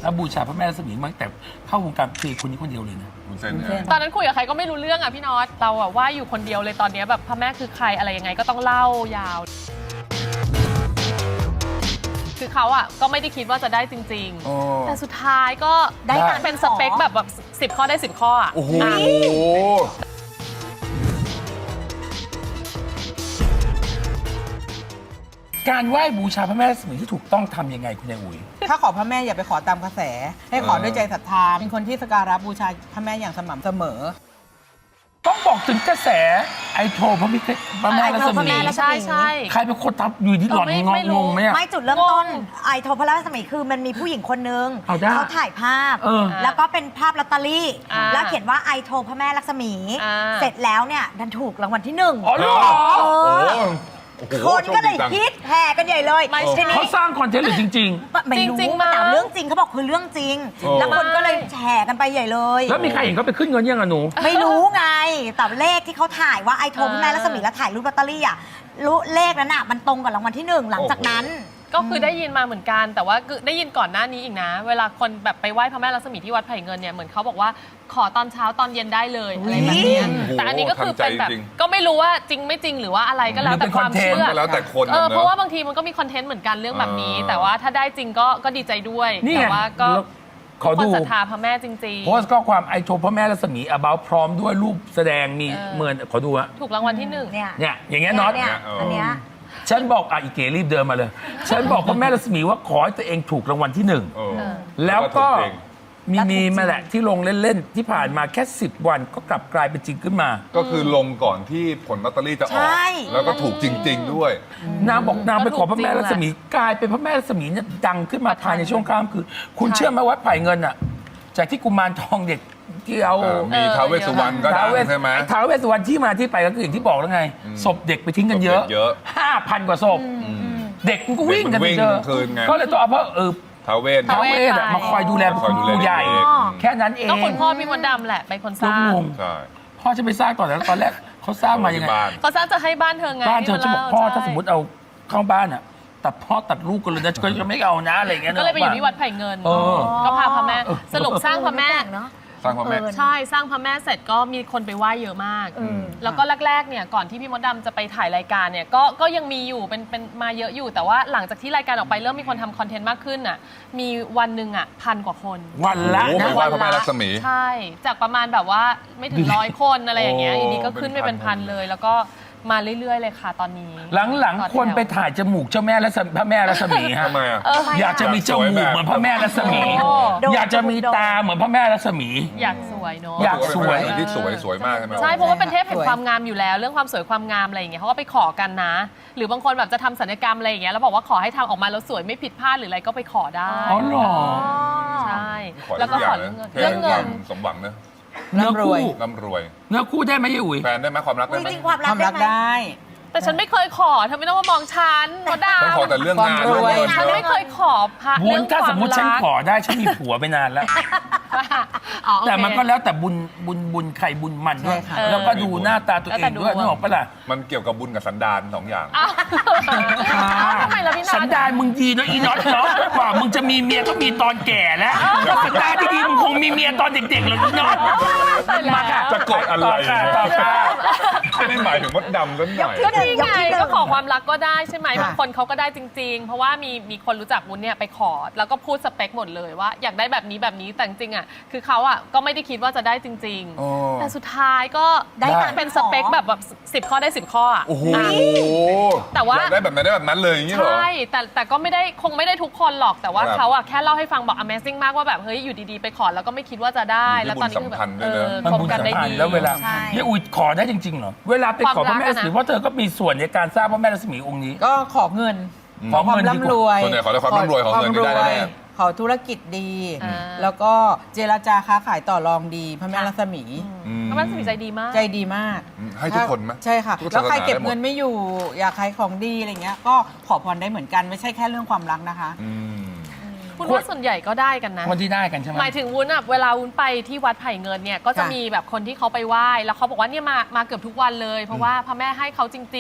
เขาบูชาพระแม่รัศมีมาตั้งแต่เข้าวงการคือคนนี้คนเดียวเลยนะคุณเส้นตอนนั้นคุยกับใครก็ไม่รู้เรื่องอ่ะพี่น็อตเราอ่ะว่าอยู่คนเดียวเลยตอนนี้แบบพระแม่คือใครอะไรยังไงก็ต้องเล่ายาว คือเขาอ่ะก็ไม่ได้คิดว่าจะได้จริงๆแต่สุดท้ายก็ได้เป็นสเปคแบบ10 ข้อได้10 ข้ออ่ะโอ้โหการไหว้บูชาพระแม่รัศมีที่ถูกต้องทำยังไงคุณนายอุ๋ยถ้าขอพระแม่อย่าไปขอตามกระแส ให้ขอด้วยใจศรัทธาเป็นคนที่สักการะบูชาพระแม่อย่างสม่ำเสมอต้องบอกถึงกระแสไอโทรพระแม่รัศมีใช่ใช่ใครเป็นคนทับอยู่ที่หล่อนไม่รู้งงไหมอะไม่จุดเริ่มต้นไอโทรพระราชมีคือมันมีผู้หญิงคนนึงเอาได้เขาถ่ายภาพ แล้วก็เป็นภาพลอตเตอรี่ แล้วเขียนว่าไอโทรพระแม่ลักษมี เสร็จแล้วเนี่ยดันถูกรางวัลที่ 1 อ๋อเหรอโอ้โหคนก็เลยฮิตแห่กันใหญ่เลยทีนี้เขาสร้างคอนเทนต์หรือจริงไม่รู้จริงๆมั้งแต่เรื่องจริงเขาบอกคือเรื่องจริง แล้วคนก็เลยแห่กันไปใหญ่เลยๆ แล้วมีใครเห็นเขาไปขึ้นเงินยังอะหนูไม่รู้ไงแต่เลขที่เขาถ่ายว่าไอโทรพระแม่ลักษมีแล้วถ่ายรูปลอตเตอรี่อ่ะเลขนั้นอ่ะมันตรงกับรางวัลที่ 1 หลังจากนั้นก็คือได้ยินมาเหมือนกันแต่ว่าคือได้ยินก่อนหน้านี้อีกนะ เวลาคนแบบไปไหว้พระแม่รัศมีที่วัดไผ่เงินเนี่ยเหมือนเขาบอกว่าขอตอนเช้าตอนเย็นได้เลยอะไรแบบเนี้ยแต่อันนี้ก็คือเป็นแบบก็ไม่รู้ว่าจริงไม่จริงหรือว่าอะไรก็แล้วแต่ความเชื่อก็แล้วแต่คนเพราะว่าบางทีมันก็มีคอนเทนต์เหมือนกันเรื่องแบบนี้ แต่ว่าถ้าได้จริงก็ดีใจด้วยนี่ไงแต่ว่าก็ขอคนดูศรัทธาพระแม่จริงโพสต์ข้อความไอโทรพระแม่รัศมี about พร้อมด้วยรูปแสดงมีเหมือนขอดูฮะๆ ถูกรางวัลที่ 1 เนี่ยเนี่ยอย่างเงี้ยน็อตเนี่ยอันเนี้ยฉันบอกอีเก๋รีบเดินมาเลย ฉันบอกพระแม่รัศมีว่าขอให้ตัวเองถูกรางวัลที่ 1 แล้วก็มีมาแหละที่ลงเล่นๆที่ผ่านมาแค่10 วันก็กลับกลายเป็นจริงขึ้นมาก็คือลงก่อนที่ผลลอตเตอรี่จะออกใช่แล้วก็ถูกจริง ๆ ด้วยนางบอกนางไปขอพระแม่รัศมีกลายเป็นพระแม่รัศมีเนี่ยดังขึ้นมาภายในช่วงข้ามคือคุณเชื่อไหมว่าไผ่เงินอ่ะจากที่กุมารทองเด็กที่เอามีท้าวเวสสุวรรณก็ดังใช่ไหมท้าวเวสสุวรรณที่มาที่ไปก็คืออย่างที่บอกแล้วไงศพเด็กไปทิ้งกันเยอะศพเด็กเยอะ 5,000 กว่าศพเด็กมันก็วิ่งกันไปเจอเด็กมันวิ่งกลางคืนไงก็เลยต้องเอาพระท้าวเวสท้าวเวสอะมาคอยดูแลคอยดูแลผู้ใหญ่เด็กแค่นั้นเองก็คุณพ่อพี่มดดำแหละเป็นคนสร้างลุงใช่พ่อจะไปสร้างตอนนั้นตอนแรกเขาสร้างมายังไงที่บ้านเขาสร้างจะให้บ้านเธอไงบ้านเธอจะบอกพ่อถ้าสมมติใช่เอาเข้าบ้านอ่ะตัดพ่อตัดลูกกันเลยนะก็จะไม่เอานะอะไรอย่างเงี้ยก็เลยไปอยู่ที่วัดไผ่เงิน ก็พาพระแม่สรุปสร้างพระแม่สร้างพระแม่ใช่สร้างพระแม่เสร็จก็มีคนไปไหว้เยอะมาก แล้วก็แรกๆเนี่ยก่อนที่พี่มดดำจะไปถ่ายรายการเนี่ยก็ยังมีอยู่เป็นมาเยอะอยู่ แต่ว่าหลังจากที่รายการออกไปเริ่มมีคนทำคอนเทนต์มากขึ้นอ่ะมีวันหนึ่งอ่ะ1,000 กว่าคนวันละโอ้โหนะไปไหว้พระแม่รัศมีใช่ จากประมาณแบบว่าไม่ถึง100 คนอะไรอย่างเงี้ยโอ้อยู่ดีก็ขึ้นไปเป็นเป็นพัพันนเลย แล้วก็มาเรื่อยๆเลยค่ะตอนนี้หลังๆคนไปถ่ายจมูกเจ้าแม่รัศมีพระแม่รัศมีฮะทำไมอ่ะอยากจะมีจมูกเหมือนพระแม่รัศมีโอ้อยากจะมีตาเหมือนพระแม่รัศมีอยากสวยเนาะอยากสวยที่สวยมากใช่ไหมใช่เพราะว่าเป็นเทพแห่งสวยความงามอยู่แล้ว เรื่องความสวยความงามอะไรอย่างเงี้ยเขาก็ไปขอกันนะ หรือบางคนแบบจะทำศัลยกรรมอะไรอย่างเงี้ยแล้วบอกว่าขอให้ทำออกมาแล้วสวยไม่ผิดพลาดหรืออะไรก็ไปขอได้อ๋อเหรอใช่ขอแล้วก็ทุกอขย่าองนะเรื่องเงินสมหวังนะเนื้อคู่ร่ำรวยเนื้อคู่ได้ไหมยายอุ๋ยแฟนได้ไหมความรักอุ๊ได้ยไหมจริงความความรัรักกได้ไหมได้แต่ฉันไม่เคยขอเธอไม่ต้องมามองฉันมดดต้องขอแต่เรื่องงานความรวยเรื่องำเงินฉันไม่เคยขอพระบุเรื่ญองคถ้าวาสมมมติฉันรักขอได้ฉันมีผัวไปนานแล้วอ๋อโอเคแต่มันก็แล้วแต่บุญใครบุญมันด้วยใช่ค่ะแล้วก็ดูหน้าตาตัวเองด้วยแล้วแต่ดวงนึกออกปะล่ะมันเกี่ยวกับบุญกับสันดาน2 อย่างอ้าวทำไมล่ะพี่นัทสันดานมึงดีเนอะอีน็อตเนาะกว่ามึงจะมีเมียก็มีตอนแก่แล้วสันดานที่ดีมึงคงมีเมียตอนเด็กๆเลยอีน็อตมาค่ะจะกดอะไรต่อค่ะไม่ได้หมายถึงมดดำซะหน่อยก็นี่ไงยกที่หนึ่งก็ขอความรักก็ได้ใช่ไหมค่ะบางคนเขาก็ได้จริง ๆ เพราะว่ามีคนรู้จักวุ้นเนี่ยไปขอ แล้วก็พูดสเปคหมดเลยว่าอยากได้แบบนี้แบบนี้แต่จริงๆอ่ะคือเขาอ่ะก็ไม่ได้คิดว่าจะได้จริงโอ้ๆ แต่สุดท้ายก็ได้เป็นสเปคแบบ10 ข้อได้ 10 ข้ออ่ะโอ้โหแต่ว่าอยากได้แบบไหนได้แบบนั้นเลยอย่างนี้เหรอใช่แต่ก็ไม่ได้คงไม่ได้ทุกคนหรอกแต่ว่าครับเขาอ่ะแค่เล่าให้ฟังบอก Amazing มากว่าแบบเฮ้ยอยู่ดีๆไปขอแล้วก็ไม่คิดว่าจะได้อยู่ที่แล้วตอนนี้คือแบบบุญสัมพันธ์ด้วยนะมันคบบุญกันสัมได้พันดีธ์แล้วเวลาใช่ยายอุ๋ยขอได้จริงๆเหรอเวลาไปขอพระแม่รัศมีความรักอะนะเพราะเธอก็มีส่วนในการสร้างพระแม่รัศมีองค์นี้ก็ขอเงินขอความเงินดีกว่าร่ำรวยส่วนใหญ่ขอแต่ความร่ำรวยขอเงินไม่ได้แน่ขอธุรกิจดีอ่าแล้วก็เจรจาค้าขายต่อรองดีพระแม่รัศมีพระแม่รัศมีใจดีมากใจดีมากให้ทุกคนไหมใช่ค่ะทุกแล้วใครศาสนาเก็บได้หมดเงินไม่อยู่ อยากขายของดีอะไรเงี้ยก็ขอพรได้เหมือนกันไม่ใช่แค่เรื่องความรักนะคะอืมคุณว่าส่วนใหญ่ก็ได้กันนะคนที่ได้กันใช่ไหมหมายถึงวุ้นอะเวลาวุ้นไปที่วัดไผ่เงินเนี่ยก็จะค่ะมีแบบคนที่เขาไปไหว้แล้วเขาบอกว่าเนี่ยมาเกือบทุกวันเลย เพราะว่าพระแม่ให้เขาจริงๆ